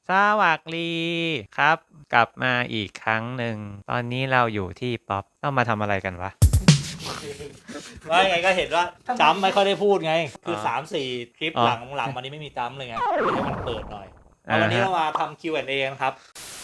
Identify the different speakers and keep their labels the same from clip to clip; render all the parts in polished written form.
Speaker 1: สวัสดีครับ กลับมาอีกครั้งหนึ่ง ตอนนี้เราอยู่ที่ป๊อปต้องมาทำอะไรกันวะ
Speaker 2: ว่าไงก็เห็นว่าจำไม่ค่อยได้พูดไง คือ
Speaker 1: อ๋อ
Speaker 2: 3-4 คลิป
Speaker 1: อ๋อ
Speaker 2: หลังวันนี้ไม่มีจำเลยไงให้มันเปิดหน่อยเอาวันนี้เรามาทำ Q&A กันครับ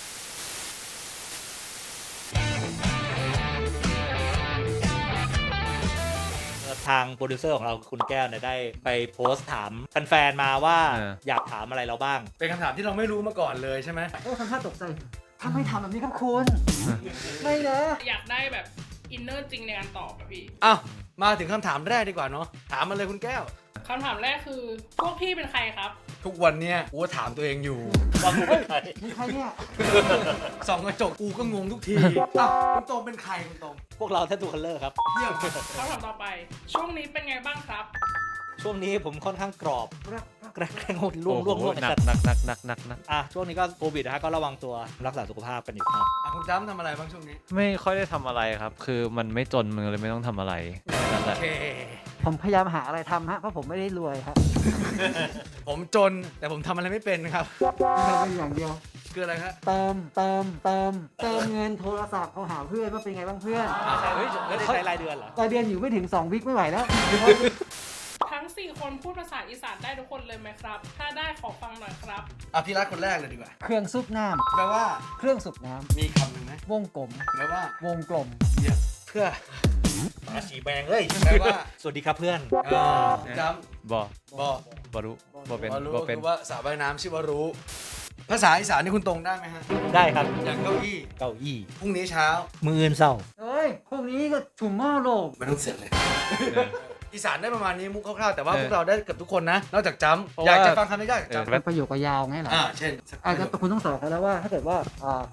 Speaker 2: ทางโปรดิวเซอร์ของเราคุณแก้วเนี่ยได้ไปโพสต์ถามแฟนๆมาว่าอยากถามอะไรเราบ้าง
Speaker 3: เป็นคำถามที่เราไม่รู้มาก่อนเลยใช่ไหม
Speaker 4: โอ้ทำท่าตกใจทำไมทำแบบนี้ครับคุณ ไม่นะ
Speaker 5: อยากได้แบบอินเนอร์จริงในการตอบอะพี่
Speaker 3: อ้าวมาถึงคำถามแรกดีกว่าเนาะถามมาเลยคุณแก้ว
Speaker 5: คำถามแรกคือพวกพี่เป็นใครครับ
Speaker 3: ทุกวันเนี้ยกูก็ถามตัวเองอยู่
Speaker 2: ว่ากูเป็นใคร
Speaker 4: มีใครเนี่ย
Speaker 3: ส่องกระจกกูก็งงทุกทีอ้าวคุณตรงเป็นใครคุณตรง
Speaker 2: พวกเราแททูคัลเลอร์ครับ
Speaker 3: เยี่ยม
Speaker 5: คำถามต่อไป ช่วงนี้เป็นไงบ้างครับ
Speaker 2: ช่วงนี้ผมค่อนข้างกรอบแกล้งล่วง
Speaker 1: โอ้โห
Speaker 2: ไอ้
Speaker 1: หนั
Speaker 2: สั
Speaker 1: ก
Speaker 2: ตว์
Speaker 1: หนักหนักหนักหนักหนัก
Speaker 2: ช่วงนี้ก็โควิดนะฮะก็ระวังตัวรักษาสุขภาพกันอยู่ครับ
Speaker 3: คุณจำทำอะไรบ้างช่วงนี้
Speaker 1: ไม่ค่อยได้ทำอะไรครับ คือมันไม่จนมันเลยไม่ต้องทำอะไรนั่นแห
Speaker 3: โอ
Speaker 1: ละ
Speaker 3: เค
Speaker 4: ผมพยายามหาอะไรทำฮะ เพราะผมไม่ได้รวยครับ
Speaker 3: ผมจนแต่ผมทำอะไรไม่เป็นครับ
Speaker 4: ทำเป็นอย่างเดียว
Speaker 3: คืออะไรครับ
Speaker 4: เติมเงินโทรศัพท์เขาหาเพื่อนว่าเป็นไงบ้างเพื่อน
Speaker 2: เฮ้ยไม่ได้ใช้รายเดือนเหรอ
Speaker 4: รายเดือนอยู่ไม่ถึง2 วิคไม่ไหวแล้ว
Speaker 5: ทั้ง 4 คนพูดภาษาอีสานได้ทุกคนเลยไหมครับ ถ้าได้ขอฟังหน่อยครับ
Speaker 3: อ่ะพี่รักคนแรกเลยดีกว่า
Speaker 4: เครื่องซุปน้
Speaker 3: แปลว่า
Speaker 4: ำเครื่องสูบน้
Speaker 3: มีคำหนึ่งไหม
Speaker 4: ำวงกลม
Speaker 3: แปลว่าว
Speaker 4: งกลม
Speaker 3: เยี่ยมเพื่อ
Speaker 2: มาฉีแบงเอ้ย
Speaker 3: แปลว่า
Speaker 2: สวัสดีครับเพื่อน
Speaker 3: จ
Speaker 1: บอ
Speaker 3: ำบอก
Speaker 1: บอรู้บอเป็น
Speaker 3: รู้
Speaker 1: บอเป็น
Speaker 3: คือว่าสระว่ายน้ำชื่อว่ารู้ ภาษาอีสานนี่คุณตรงได้ไหมฮะ
Speaker 2: ได้ครับ
Speaker 3: อย่างเก้าอี้
Speaker 2: เก้าอี้
Speaker 3: พรุ่งนี้เช้า
Speaker 2: มืออื่นเศร้า
Speaker 4: เฮ้ย พวกนี้ก็ถุ่มหม้อโลก
Speaker 3: ไม่ต้องเสร็จเลย อีสานได้ประมาณนี้มุกคร่าวๆแต่ว่าพวกเราได้เกือบทุกคนนะ นอกจากจำอยากจะฟังคำนี้ได้จากจำ
Speaker 4: เป็นประโยคยาวไงเหรอ
Speaker 3: เช่น
Speaker 4: อาจจะคุณต้องสอนเขาแล้วว่าถ้าเกิดว่า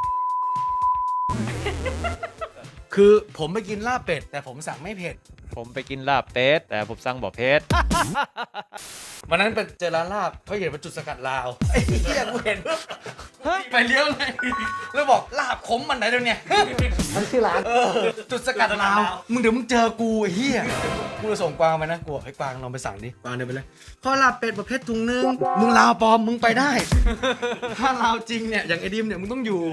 Speaker 3: คือผมไปกินลาบเป็ด แต่ผมสั่งไม่เผ็ด
Speaker 1: ผมไปกินลาบเป็ดแต่ผมสั่งบ่เผ็ด
Speaker 3: วันนั้นไปเจอร้านลาบเขาเห็นเป็นจุดสกัดลาวไอ้เหี้ยกูเห็นปุ๊บไปเลี้ยวเลยแล้วบอกลาบขมมันไหนเดี๋ยวเนี้
Speaker 4: มันชื่อร้าน
Speaker 3: จุดสกัดลาวมึงเดี๋ยวมึงเจอกูไอ้เหี้ยกูจะส่งกวางไปนะกูบอกให้กวางลองไปสั่งดิกวางเดินไปเลยข้อลาบเป็ดประเภทถุงนึงมึงลาวปลอมมึงไปได้ ถ้าลาวจริงเนี่ยอย่างไอ้ดิมเนี่ยมึงต้องอยู่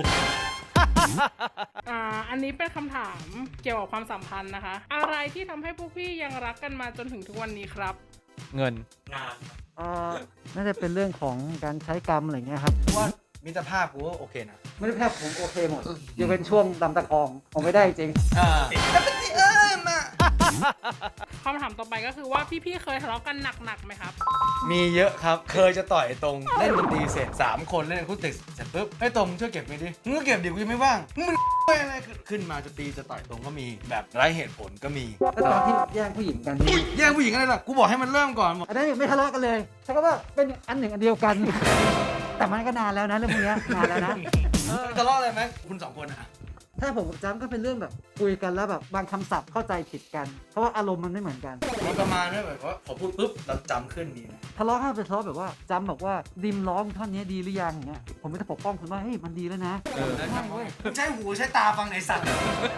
Speaker 5: อันนี้เป็นคำถามเกี่ยวกับความสัมพันธ์นะคะ อะไรที่ทำให้พวกพี่ยังรักกันมาจนถึงทุกวันนี้ครับ
Speaker 1: เงิน
Speaker 2: งาน
Speaker 4: น่าจะเป็นเรื่องของการใช้กรรมอะไรเงี้ยครับ
Speaker 3: ว่ามิตรภาพกูก็โอเคนะ
Speaker 4: ไม่ได้แค่ผมโอเคหมดยังเป็นช่วงดำตะคองผมไม่ได้จริง
Speaker 3: มา
Speaker 5: คำถามต่อไปก็คือว่าพี่ๆเคยทะเลาะกันหนักๆไหมครับ
Speaker 3: มีเยอะครับ เคยจะต่อยตรงเล่นดนตรีเสร็จ3 คนเล่นอะคูสติกเสร็จปุ๊บไอ้ตรงช่วยเก็บไปดิมึงก็เก็บดิกูยังไม่ว่างมึงอะไรขึ้นมาจะตีจะต่อยตรงก็มีแบบไร้เหตุผลก็มี
Speaker 4: แล้วตอนที่แย่งผู้หญิงกัน
Speaker 3: แย่งผู้หญิงอะไรล่ะกูบอกให้มันเริ่มก่อน
Speaker 4: อันนั้นไม่ทะเลาะกันเลยใช่ก็ว่าเป็นอันหนึ่งอันเดียวกัน แต่มันก็นานแล้วนะเรื่องพวกเนี้ยนานแล้วนะ
Speaker 3: ทะเลาะอะไรไหมคุณ2 คนอะ
Speaker 4: ถ้าผมกับจ้ำก็เป็นเรื่องแบบคุยกันแล้วแบบบางคำศัพท์เข้าใจผิดกัน เพราะว่าอารมณ์มันไม่เหมือนกัน
Speaker 3: มันประมาณว่าแบบว่าพอพูดปุ๊บเราจำขึ้นดีนะ
Speaker 4: ทะเลาะกันเป็นทะเลาะแบบว่าจ้ำบอกว่าดิมร้องท่อนนี้ดีหรือยังอย่างเงี้ยผมก็จะปกป้องคุณว่าเฮ้ยมันดีแล้วนะไม่เว้ย
Speaker 3: ใช้หูใช้ตาฟังในสัตว์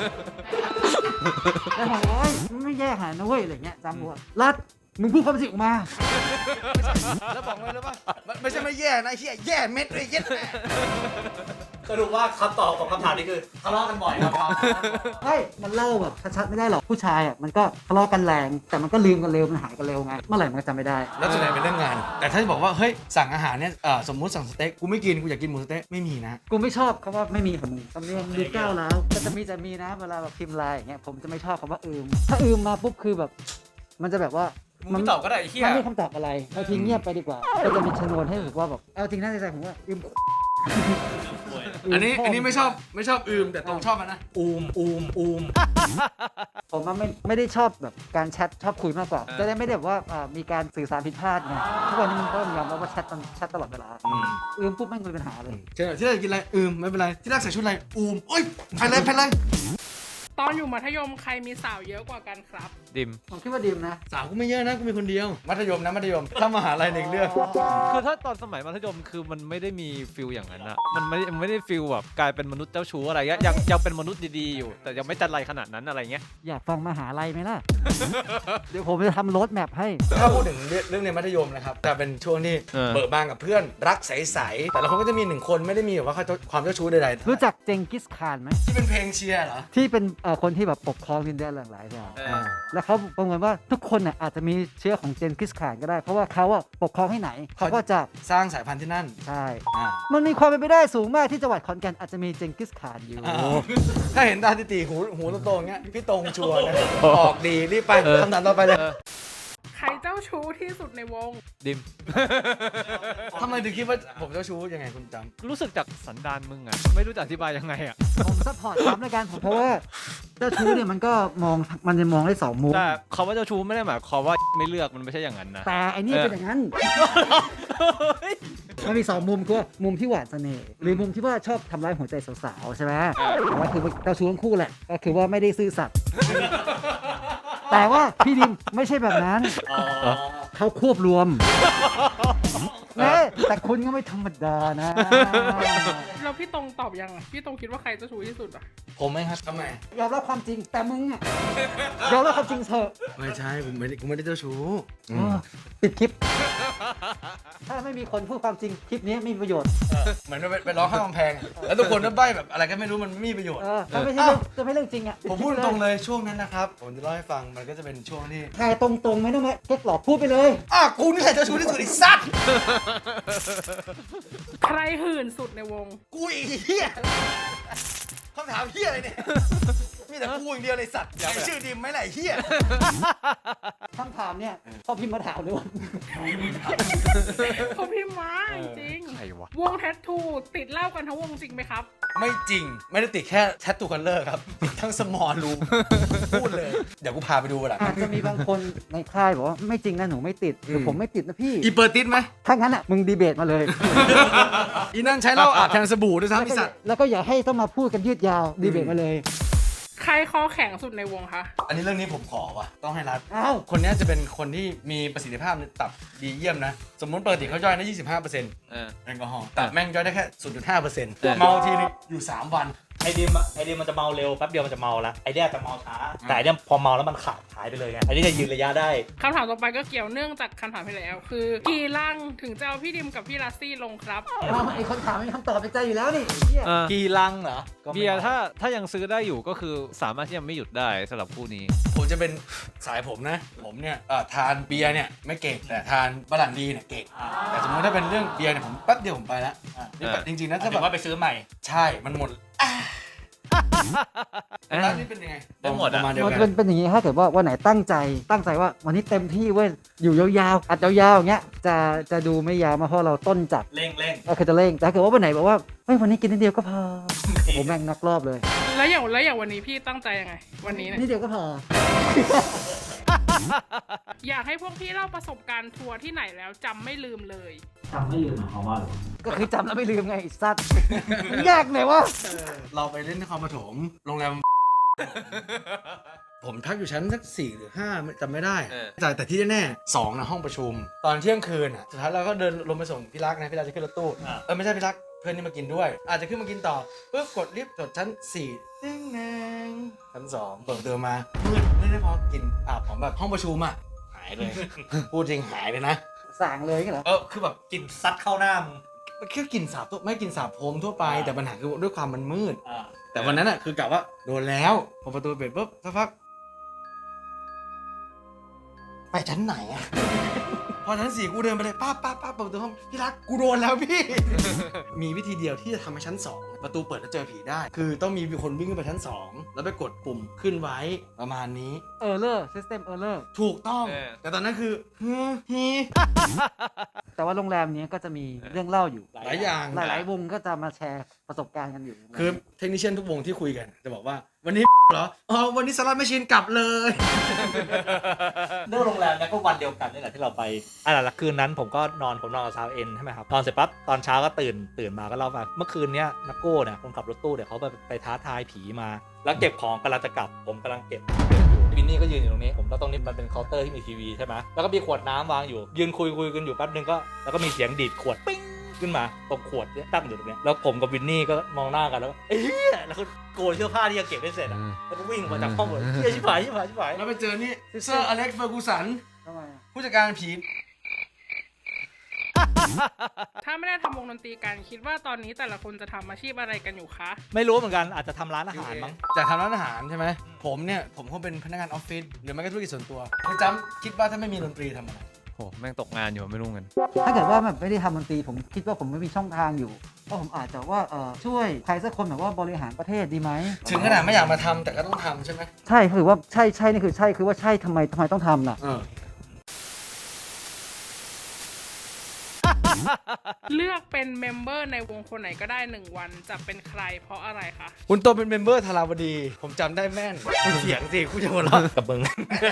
Speaker 4: แล้วผมบอกว่าเฮ้ยมันไม่แย่ขนาดนั้นเว้ยอะไรเงี้ยจ้ำบอกว่ารัดมึงพูดความจริงออกมา
Speaker 3: แล้วบอกไว้แล้วป่ะไม่ใช่ไม่แย่นะไอ้เหี้ยแย่เม็ดเลยเย็ดแม่
Speaker 2: สรุปว่าคำตอบของคำถามนี้คือทะเลาะกันบ่อยครับ
Speaker 4: เฮ้ยมันเล่าแบบชัดๆไม่ได้หรอกผู้ชายอ่ะมันก็ทะเลาะกันแรงแต่มันก็ลืมกันเร็วมันหายกันเร็วไงเมื่อไหร่มันก็จำไม่ได้
Speaker 3: แล้วส่วนใหญ่เป็นเรื่องงาน แต่ถ้าจะบอกว่าเฮ้ยสั่งอาหารเนี่ยสมมุติสั่งสเต็กกูไม่กินกูอยากกินหมูสเต็กไม่มีนะ
Speaker 4: กูไม่ชอบคำว่าไม่มีของมึงคำนี้มันดูก้าวแล้วก็จะมีนะเวลาแบบพิมพ์ไลน์อย่างเงี้ยผมจะไม่ชอบคำว่าถ้ามาปุ๊บคือแบบ มันจะแบบว่า
Speaker 3: มึงไม่ตอบก็ได้ไอ้เหี้ย
Speaker 4: มันไม่มีคำตอบอะไรเราทิ้งเงียบไปดีกว่าก็จะมีชนวนให้แบบว่าแบบเอาจริงน่าใจผมว่า
Speaker 3: อันนี้ไม่ชอบแต่ตรงชอบมันนะ
Speaker 2: อูม
Speaker 4: ผมว่าไม่ได้ชอบแบบการแชทชอบคุยมากกว่าจะได้ไม่ได้แบบว่ามีการสื่อสารผิดพลาดไงทุกวันนี้มันก็ยอมรับว่าแชทตลอดเวลาปุ๊บไม่มีปัญหาเลย
Speaker 3: ที่รักกินอะไรไม่เป็นไรที่รักใส่ชุดอะไรโอ้ยไปเลย
Speaker 5: ตอนอยู่มัธยมใครมีสาวเยอะกว่ากันครับ
Speaker 1: ดิม
Speaker 4: ผมคิดว่าดิมนะ
Speaker 3: สาวกูไม่เยอะนะกูมีคนเดียวมัธยมนะมัธยมถ้ามหาลัยหนึ่งเรื่อง
Speaker 1: คือถ้าตอนสมัยมัธยมคือมันไม่ได้มีฟิลอย่างนั้นอะมันไม่ได้ฟิลแบบกลายเป็นมนุษย์เจ้าชู้อะไรเงี้ยยังเป็นมนุษย์ดีๆอยู่ แต่ยังไม่จัดไรขนาดนั้นอะไรเงี้ย
Speaker 4: อยากฟังมหาลัยไหมล่ะ เดี๋ยวผมจะทำโรดแมพให้
Speaker 3: ถ้าพูดถึงเรื่องในมัธยมนะครับจะเป็นช่วงที่เบิกบานกับเพื่อนรักใสๆแต่ละคนก็จะมีหนึ่งคนไม่ได้มีแบบว่าความเจ้าชู้ใดๆ
Speaker 4: รู้จักเจงกิสข่านไหม
Speaker 3: ที่เป็นเพลงเชียร์เหรอ
Speaker 4: ที่เป็นคนที่แบบปกครองดินแดนหลายๆอย่างแล้วเขาประเมินว่าทุกคนน่ะอาจจะมีเชื้อของเจนกิสข่านก็ได้ เพราะว่าเขาอะปกครองให้ไหนเขาก็จะ
Speaker 3: สร้างสายพันธุ์ที่นั่น
Speaker 4: ใช่
Speaker 3: อ่า
Speaker 4: มันมีความเป็นไปได้สูงมากที่จังหวัดขอนแก่นอาจจะมีเจงกิสข่านอยู่
Speaker 3: ถ้าเห็นตาติหูโตๆอย่างเงี้ยพี่ตรงชัวร์นะออกดีรีบไปคำถามต่อไปเลย
Speaker 5: ใครเจ้าชู้ที่สุดในวง
Speaker 1: ดิม
Speaker 3: ทำไมถึงคิดว่าผมเจ้าชู้ยังไงคุณจำ
Speaker 1: รู้สึกจากสันดานมึงอะไม่รู้จะอธิบายยังไงอะ
Speaker 4: ผมซัพพอร์ตซ้ำในการผมเพราะว่าเจ้าชู้เนี่ยมันก็มันจะมองได้สองมุม
Speaker 1: แต่คำว่าเจ้าชู้ไม่ได้หมายความว่าไม่เลือกมันไม่ใช่อย่างนั้นนะ
Speaker 4: แต่ไอ้นี่เป็นอย่างนั้น มันมีสองมุมคือว่ามุมที่หวานเสน่ห์หรือมุมที่ว่าชอบทำร้ายหัวใจสาวๆใช่ไหมแต่ว่าคือเจ้าชู้ทั้งคู่แหละก็คือว่าไม่ได้ซื่อสัตย์แต่ว่าพี่ดิมไม่ใช่แบบนั้นเขาควบรวมแม่แต่คุณก็ไม่ธรรมดานะ
Speaker 5: แล้วพี่ตรงตอบยังอะพี่ตรงคิดว่าใครเจ้าชู้ที่สุดอะ
Speaker 2: ผมไหมครับ
Speaker 3: ทำไม
Speaker 4: ยอมรับความจริงแต่มึงอะยอมรับความจริงเถอะ
Speaker 3: ไม่ใช่ผมไม่ได้เจ้าชู้
Speaker 4: ปิดคลิป ถ้าไม่มีคนพูดความจริงคลิปนี้ไม่มีประโยชน์
Speaker 3: เหมือนไปร้องข้างกำแพงอะแล้วทุกคนก็ใบ้แบบอะไรก็ไม่รู้มันไม่มีประโยชน์
Speaker 4: ถ้าไม่ใช่เรื่องจะไม่เรื่องจริงอ่ะ
Speaker 3: ผมพูดตรงเลยช่วงนั้นนะครับผมจะเล่าให้ฟังมันก็จะเป็นช่วงที่
Speaker 4: ถ่ายตรงๆไม่ต้องมาเก๊กหลอกพูดไปเลย
Speaker 3: กูนี่แหละเจ้าชู้ที่สุดไอ้สัตว์
Speaker 5: ใครหื่นสุดในวง
Speaker 3: กูอีกเหี้ยคำถามเหี้ยอะไรเนี่ยมีแต่กูอย่างเดียวเลยสัตว์อยากชื่อดิมไหมไหนเหี้ย
Speaker 4: คำถามเนี่ยพอพิมพ์มาถามเลยว่า
Speaker 5: เขาพิมพ์มาจริง
Speaker 1: ใครวะ
Speaker 5: วงแทททูติดเหล้ากันทั้งวงจริงไหมครับ
Speaker 3: ไม่จริงไม่ได้ติดแค่แทททูคัลเลอร์ครับติดทั้งสมอลรูมพูดเลยเดี๋ยวกูพาไปดูกันละ
Speaker 4: อาจจะมีบางคนในค่ายบอกว่าไม่จริงนะหนูไม่ติดหรือผมไม่ติดนะพี่
Speaker 3: อีเปิดติดไหม
Speaker 4: ถ้างั้นอ่ะมึงดีเบตมาเลย
Speaker 3: อีนั่นใช้เหล้าอาบแทนสบู่ด้วยซ้ำไอ้สัตว์
Speaker 4: แล้วก็อย่าให้ต้องมาพูดกันยืดยาวดีเบตมาเลย
Speaker 5: ใครคอแข็งสุดในวงคะ
Speaker 3: อันนี้เรื่องนี้ผมขอว่ะต้องให้รัด
Speaker 4: อ้าว
Speaker 3: คนนี้จะเป็นคนที่มีประสิทธิภาพในตับดีเยี่ยมนะ สมมติปกติเขาย่อยได้ 25%
Speaker 1: เออ
Speaker 3: แอลกอฮอล์แต่แม่งย่อยได้แค่ 0.5%เมาทีนึงอยู่ 3 วัน
Speaker 2: ไอเดียมันจะเมาเร็วแป๊บเดียวมันจะเมาละไอเดียจะเมาช้าแต่ไอเดียพอเมาแล้วมันขาดหายไปเลยไงไอเดียจะยืนระยะได้
Speaker 5: คำถามต่อไปก็เกี่ยวเนื่องจากคำถามที่แล้ว คือกี่ลังถึงจะเอาพี่ดิมกับพี่ลัสซี่ลงครับ
Speaker 4: ไอ้คนถามมีคำตอบในใจอยู่แล้วนี่เหี้ย
Speaker 2: กี่ลังเหรอก็ไม่
Speaker 1: เบียร์ถ้ายังซื้อได้อยู่ก็คือสามารถที่จะไม่หยุดได้สำหรับคู่นี้ ผม
Speaker 3: จะเป็นสายผมนะ ผมเนี่ยทานเบียร์เนี่ยไม่เก่งแต่ทานบรันดีเนี่ยเก่ง แต่สมมติถ้าเป็นเรื่องเบียร์เนี่ยผมแป๊บเดียวผมไปแล้วนี่แบบจริงๆนะ
Speaker 2: ถ้า
Speaker 3: ถ้า
Speaker 2: แบ
Speaker 3: แบบ บ
Speaker 2: ว่าไปซื้อใหม่
Speaker 3: ใช่มันหมดร้านนี้เป็นยังไง
Speaker 1: ได้หมด
Speaker 3: ป
Speaker 1: อะ
Speaker 3: ระมาณเดียว
Speaker 4: มัน
Speaker 3: กั
Speaker 4: เป็น นอย่างนี้ถ้าเกิดว่าวันไหนตั้งใจว่าวันนี้เต็มที่เว้ยอยู่ยาวๆอัดยาวๆอย่างเงี้ยจะดูไม่ยาวมาเพราะเราต้นจัด
Speaker 2: เร่ง
Speaker 4: ก็คือจะเร่งแต่ถ้าเกิดว่าวันไหนบอกว่าเฮ้ยวันนี้กินนิดเดียวก็พอผมแม่งนักรอบเลย
Speaker 5: แล้วอย่างวันนี้พี่ตั้งใจยังไง วันนี้เนี่ย
Speaker 4: นิดเดียวก็พอ
Speaker 5: อยากให้พวกพี่เล่าประสบการณ์ทัวร์ที่ไหนแล้วจำไม่ลืมเลย
Speaker 2: จำไม่ลืมเขาว่าหรอ
Speaker 4: ก็คือจำแล้วไม่ลืมไงไอ้สัตว์ยากเลยวะ
Speaker 3: เราไปเล่นนครปฐมโรงแรม ผมพักอยู่ชั้นสัก4 หรือ 5จำไม่ได้แต่ที่แน่ๆ2นะห้องประชุม ตอนเที่ยงคืนอ่ะสุดท้ายเราก็เดินลงไปส่งพี่รักนะพี่รักจะขึ้นรถตู้ไม่ใช่พี่รักเพื่อนนี่มากินด้วย อาจจะขึ้นมากินต่อปุ๊บกดลิฟต์จดชั้น4ตึ้งแนงชั้น2เปิดเดินมามืดไม่ได้พอกินผมแบบห้องประชุมอ่ะหายเลย พูดจริงหายเลยนะ
Speaker 4: สั่งเลยกันเหรอ
Speaker 3: คือแบบ
Speaker 2: กินซัดเข้าหน้ามึง
Speaker 3: แค่กลินสาบตัวไม่กลินสาบโพรมทั่วไปแต่ปัญหาคือด้วยความมันมืด แต่วันนั้นอ่ะคือกะว่าโดนแล้วพอประตูเปิดปุ๊บสักพักไปชั้นไหนอ่ะ พอชั้น4กูเดินไปเลยป้าเปิดประตูห้องพี่รักกูโดนแล้วพี่ มีวิธีเดียวที่จะทำให้ชั้น2ประตูเปิดแล้วเจอผีได้ คือต้องมีคนวิ่งขึ้นไปชั้น2แล้วไปกดปุ่มขึ้นไว้ประมาณนี้
Speaker 4: error system error
Speaker 3: ถูกต้องแต่ตอนนั้นคือฮี
Speaker 4: แต่ว่าโรงแรมนี้ก็จะมีเรื่องเล่าอยู่
Speaker 3: หลายอย่าง
Speaker 4: หลายๆวงก็จะมาแชร์ประสบการณ์กันอยู่
Speaker 3: คือเทคนิคเชียนทุกวงที่คุยกันจะบอกว่าวันนี้เหรออ๋อวันนี้สล็อตไม่ชินกลับเลย
Speaker 2: เรื่องโรงแรมเนี่ยก็วันเดียวกันนี่แหละที่เราไปละคืนนั้นผมนอนกับซาวเอ็นใช่ไหมครับนอนเสร็จปั๊บตอนเช้าก็ตื่นมาก็เล่าว่าเมื่อคืนเนี้ยนักโก้เนี่ยคนขับรถตู้เนี่ยเขาไปท้าทายผีมา แล้วเก็บของกำลังจะกลับผมกำลังเก็บวินนี่ก็ยืนอยู่ตรงนี้ผมแล้วตรงนี้มันเป็นเคาน์เตอร์ที่มีทีวีใช่ไหมแล้วก็มีขวดน้ำวางอยู่ยืนคุยกันอยู่แป๊บนึงก็แล้วก็มีเสียงดีดขวดปิ้งขึ้นมาตรงขวดเนี่ยตั้งอยู่ตรงเนี้ยแล้วผมกับวินนี่ก็มองหน้ากันแล้วก็เอ้ยแล้วก็โกนเสื้อผ้าที่ยังเก็บไม่เสร็จอ่ะแล้วก็วิ่งออกมาจากห้องหมดเฮ้ยชิบหาย
Speaker 3: แล้วไปเจอนี่เซอร์อเล็กซ์เฟอร์กูสัน
Speaker 4: ทำไมอะ
Speaker 3: ผู้จัดการผี
Speaker 5: ถ้าไม่ได้ทำวงดนตรีกันคิดว่าตอนนี้แต่ละคนจะทำอาชีพอะไรกันอยู่คะ
Speaker 2: ไม่รู้เหมือนกันอาจจะทำร้านอาหารมั้ง
Speaker 3: จากทำร้านอาหารใช่ไหมผมคงเป็นพนักงานออฟฟิศหรือไม่ก็ธุรกิจส่วนตัวคุณจำคิดว่าถ้าไม่มีดนตรีทำอะไร
Speaker 1: โหแม่งตกงานอยู่ไม่รู้เงิน
Speaker 4: ถ้าเกิดว่าแบบไม่ได้ทำดนตรีผมคิดว่าผมไม่มีช่องทางอยู่ก็ผมอาจจะว่าช่วยใครสักคนแบบว่าบริหารประเทศดีไหม
Speaker 3: ถึงขนาดไม่อยากมาทำแต่ก็ต้องทำใช่ไหม
Speaker 4: ใช่คือว่าใช่นี่คือใช่คือว่าใช่ทำไมต้องทำล่ะ
Speaker 5: เลือกเป็นเมมเบอร์ในวงคนไหนก็ได้1 วันจะเป็นใครเพราะอะไรคะ
Speaker 3: คุณโตเป็นเมมเบอร์ธาราวดี ผมจำได้แม่นคุณเสียงสิคุณจะหัวเราะ
Speaker 2: กับมึง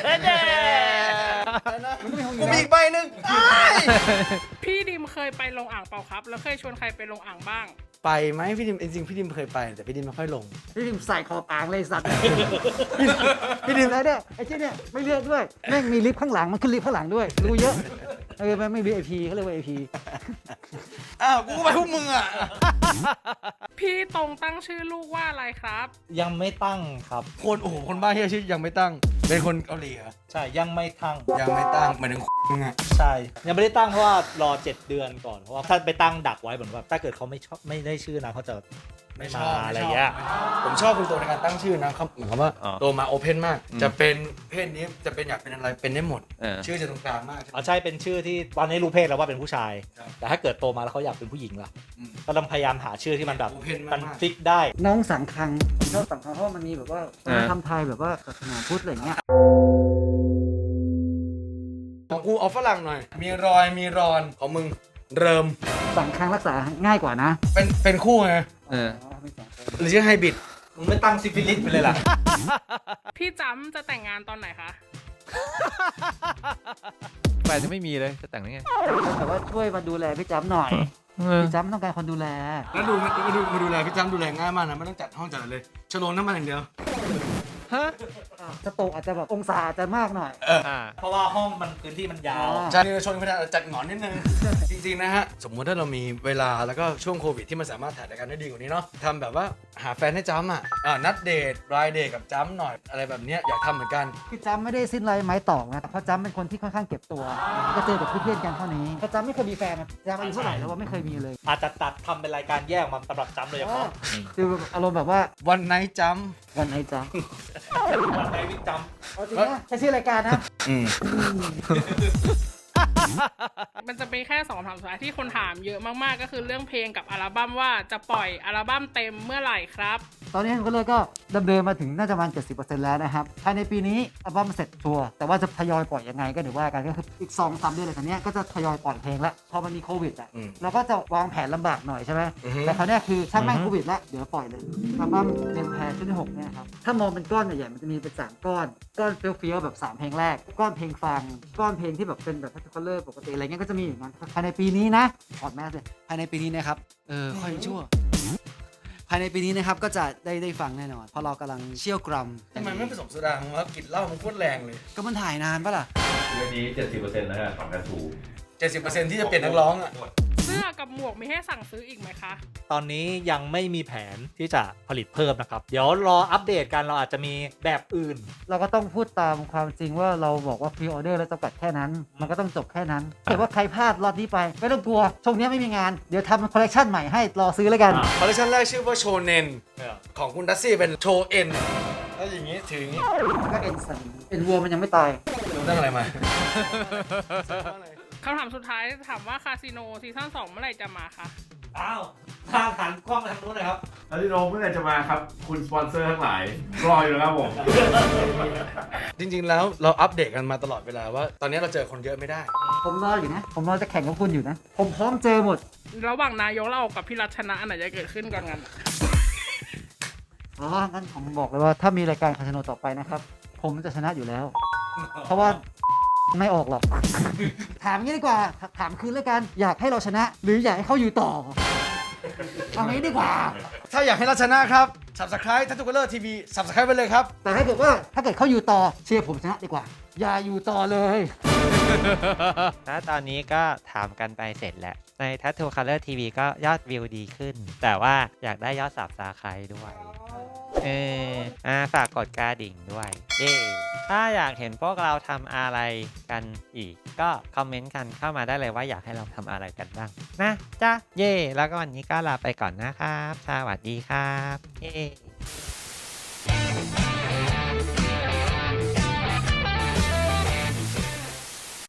Speaker 3: กูมีอีกใบหนึ่งอ้าย
Speaker 5: พี่ดิมเคยไปลงอ่างเปล่าครับ แล้วเคยชวนใครไปลงอ่างบ้าง
Speaker 3: ไปไหมพี่ดิมจริงๆพี่ดิมเคยไปแต่พี่ดิมไม่ค่อยลง
Speaker 4: พี่ดิมใส่คอปางเลยสัตว์ พี่ดิมอะไรเนี่ยไอ้เจ้าเนี่ยไม่เลือกด้วยแม่งมีลิฟต์ข้างหลังมันขึ้นลิฟต์ข้างหลังด้วยรู้เยอะไม่ VIP เขาเรียกว่า VIP
Speaker 3: อ้าวกูก็ไปพวกมึงอ่ะ
Speaker 5: พี่ตรงตั้งชื่อลูกว่าอะไรครับ
Speaker 2: ยังไม่ตั้งครับ
Speaker 3: คนบ้าเฮียชื่อยังไม่ตั้ง เป็นคนเกาหลีเหรอ
Speaker 2: ใช่ยังไม่ตั้ง
Speaker 3: ยังไม่ตั้งเหมือนถึงมึงอ่ะ
Speaker 2: ใช่ยังไม่ได้ตั้งเพราะว่ารอ7 เดือนก่อนเพราะว่าถ้าไปตั้งดักไว้เหมือนว่าถ้าเกิดเขาไม่ชอบไม่ได้ชื่อนะเขาจะไม่มาอะไรเงี้ย
Speaker 3: ผมชอบคุณโตในการตั้งชื่อนะครับเหมือนกับว่า
Speaker 1: อ๋อ
Speaker 3: โตมาโอเพนมาก จะเป็นเพศนี้จะเป็นอยากเป็นอะไรเป็นได้หมด ชื่อจะตรงกลางมาก
Speaker 2: อ๋อใช่เป็นชื่อที่ตอนนี้รู้เพศแล้วว่าเป็นผู้ชาย
Speaker 3: ครับ
Speaker 2: แต่ถ้าเกิดโตมาแล้วเขาอยากเป็นผู้หญิงล่ะ
Speaker 3: อืม
Speaker 2: ก็ต้องพยายามหาชื่อที่มันแบบ
Speaker 3: โอเพน
Speaker 2: มัน
Speaker 3: มาก
Speaker 2: ฟิกได้
Speaker 4: น้องสังคังผมชอบสังคังเพราะว่ามันมีแบบว่าทำไทยแบบว่าศาสนาพุทธอะไรอย่างเงี้ย
Speaker 3: ของกูเอาฝรั่งหน่อย มีรอยมีรอนของมึงเริ่ม
Speaker 4: สังคังรักษาง่ายกว่านะ
Speaker 3: เป็นคู่ไง
Speaker 4: เป็นสองคน
Speaker 3: หรือชื่อไฮบริด
Speaker 2: มึงไม่ตั้งซิฟิลิสไปเลยล่ะ
Speaker 5: พี่จำจะแต่งงานตอนไหนคะ
Speaker 1: แฟนจะไม่มีเลยจะแต่งได้ไง
Speaker 4: แต่ว่าช่วยมาดูแลพี่จ้ำหน่อย พี่จ้ำต้องการคนดูแล
Speaker 3: แล้วมาดูแลพี่จ้ำดูแลง่ายมากนะไม่ต้องจัดห้องจัดอะไรเลยชโลงน้ำมันอย่างเดียว
Speaker 1: ฮะ
Speaker 4: สโตกอาจจะแบบองศาอาจจะมากหน่อย
Speaker 1: อ่า
Speaker 2: เพราะว่าห้องมันพื้นที่มันยาว
Speaker 3: ใช่ชนไม่ได้จัดหงอนนิดนึง จริงๆนะฮะ สมมุติถ้าเรามีเวลาแล้วก็ช่วงโควิดที่มันสามารถถ่ายรายการได้ดีกว่านี้เนาะทำแบบว่าหาแฟนให้จ้ำนัดเดทรายเดทกับจ้ำหน่อยอะไรแบบเนี้ยอยากทำเหมือนกัน
Speaker 4: พี่จ้ำไม่ได้สิ้นไรไม้ตอกนะเพราะจ้ำเป็นคนที่ค่อนข้างเก็บตัว ก็เจอกับเพื่อนๆกันเท่านี้เพราะจ้ำไม่เคยมีแฟนนะจ้ำอายุเท่าไหร่แล้วว่าไม่เคยมีเลย
Speaker 2: อาจจะตัดทำเป็นรายการแยกออกมาสำหรับจำเลยเฉพาะ
Speaker 4: คืออารมณ์แบบว่า
Speaker 3: วันไนท์จ้
Speaker 4: วันไหนจ้ำ
Speaker 2: วันไหนวิกจ
Speaker 4: เอาจริงนะใช้ชื่อรายการนะ
Speaker 5: มันจะเป็นแค่2 คำถามสุดท้ายที่คนถามเยอะมากๆ ก็คือเรื่องเพลงกับอัลบั้มว่าจะปล่อยอัลบั้มเต็มเมื่อไหร่ครับ
Speaker 4: ตอนนี้ก็เลยก็ดำเนินมาถึงน่าจะประมาณ 70% แล้วนะครับภายในปีนี้อัลบั้มเสร็จชัวร์แต่ว่าจะทยอยปล่อยยังไงก็เดี๋ยวว่ากันก็คืออีก 2-3 เดือนหลังจากนี้ก็จะทยอยปล่อยเพลงแล้วพอมันมีโควิดอ่ะเราก็จะวางแผนลำบากหน่อยใช่ไหมแต่คราวเนี้ยคือถ้าแม่งโควิดแล้วเดี๋ยวปล่อยเลยอัลบั้มเดือนแพรชุดที่6เนี่ยครับถ้ามองเป็นก้อนใหญ่ๆมันจะมีเป็น3ก้อนเฟี้ยวๆแบบ3เพลงแรกก้อนเพลงฟังก้อนเพลงที่แบบเป็นแบบคัลเลอร์ปกติอะไรเงี้ยก็จะมีอย่างนั้นภายในปีนี้นะถอดแมสเลยภายในปีนี้นะครับค่อยชั่ว ภายในปีนี้นะครับก็จะได้ฟังแน่นอนเพราะเรากำลังเชี่ยวกรำ
Speaker 3: ำทำไมไม่ผสมโซดาของว่ากลิ่นเหล้ามันโคตรแรงเลย
Speaker 4: ก็มันถ่ายนานปะล่ะ
Speaker 6: เรื่องนี้ 70%นะฮะของการถู
Speaker 3: 70%ที่จะเปลี่ยนนักร้องอ่ะ
Speaker 5: เสื้อกับหมวกมีให้สั่งซื้ออีกไหมคะ
Speaker 2: ำตอนนี้ยังไม่มีแผนที่จะผลิตเพิ่มนะครับ เดี๋ยวรออัปเดตกันเราอาจจะมีแบบอื่น
Speaker 4: เราก็ต้องพูดตามความจริงว่าเราบอกว่าพรีออเดอร์แล้วจำกัดแค่นั้น มันก็ต้องจบแค่นั้นถ้าเกิดว่าใครพลาดรอบนี้ไปไม่ต้องกลัวช่วงนี้ไม่มีงานเดี๋ยวทำคอลเลคชันใหม่ให้รอซื้อแล้วกัน
Speaker 3: คอลเลคชันแรกชื่อว่าโชเนนของคุณดัซซี่เป็นโชเอ็นแล้วอย่างนี้ถืออย่างนี้
Speaker 4: ก็เอ็นสันเป็นวัวมันยังไม่ตาย
Speaker 3: รู้เรื่องอะไรมา
Speaker 5: คำถามสุดท้ายถามว่าคาสิโนซีซั่น2เมื่อไหร่จะมาคะ
Speaker 2: อ้าวทางหันกล้องไปทางนู้นเลยครับ
Speaker 6: แล้วที่โน้เมื่อไหร่จะมาครับ คุณสปอนเซอร์ทั้งหลาย รออยู่นะครับผม
Speaker 3: จริงๆแล้วเราอัปเดตกันมาตลอดเวลาว่า ตอนนี้เราเจอคนเยอะไม่ได้
Speaker 4: ผมรออยู่นะผมรอจะแข่งกับคุณอยู่นะผมพร้อมเจอหมด
Speaker 5: ระหว่างนายกเรากับพี่รัชนะอันไหนจะเกิดขึ้นก่อนกัน
Speaker 4: ผอ๋องั้นผมบอกเลยว่าถ้ามีรายการคาสิโนต่อไปนะครับ ผมจะชนะอยู่แล้ว เพราะว่าไม่ออกหรอก ถามงี้ดีกว่า ถามคืนแล้วกัน อยากให้เราชนะ หรืออยากให้เขาอยู่ต่อ เอางี้ดีกว่า
Speaker 3: ถ้าอยากให้เราชนะครับ Subscribe Tattoo Color TV Subscribe ไปเลยครับ
Speaker 4: แต่ถ้าเกิดเขาอยู่ต่อเชียร์ผมชนะดีกว่า อย่าอยู่ต่อเลย
Speaker 7: แล้วตอนนี้ก็ถามกันไปเสร็จแล้ว ใน Tattoo Color TV ก็ยอดวิวดีขึ้น แต่ว่าอยากได้ยอดSubscribeด้วยฝากกดกระดิ่งด้วยเย้ถ้าอยากเห็นพวกเราทำอะไรกันอีก ก็คอมเมนต์กันเข้ามาได้เลยว่าอยากให้เราทำอะไรกันบ้างนะจ๊ะเย้แล้วก็วันนี้ก็ลาไปก่อนนะครับสวัสดีครับเย้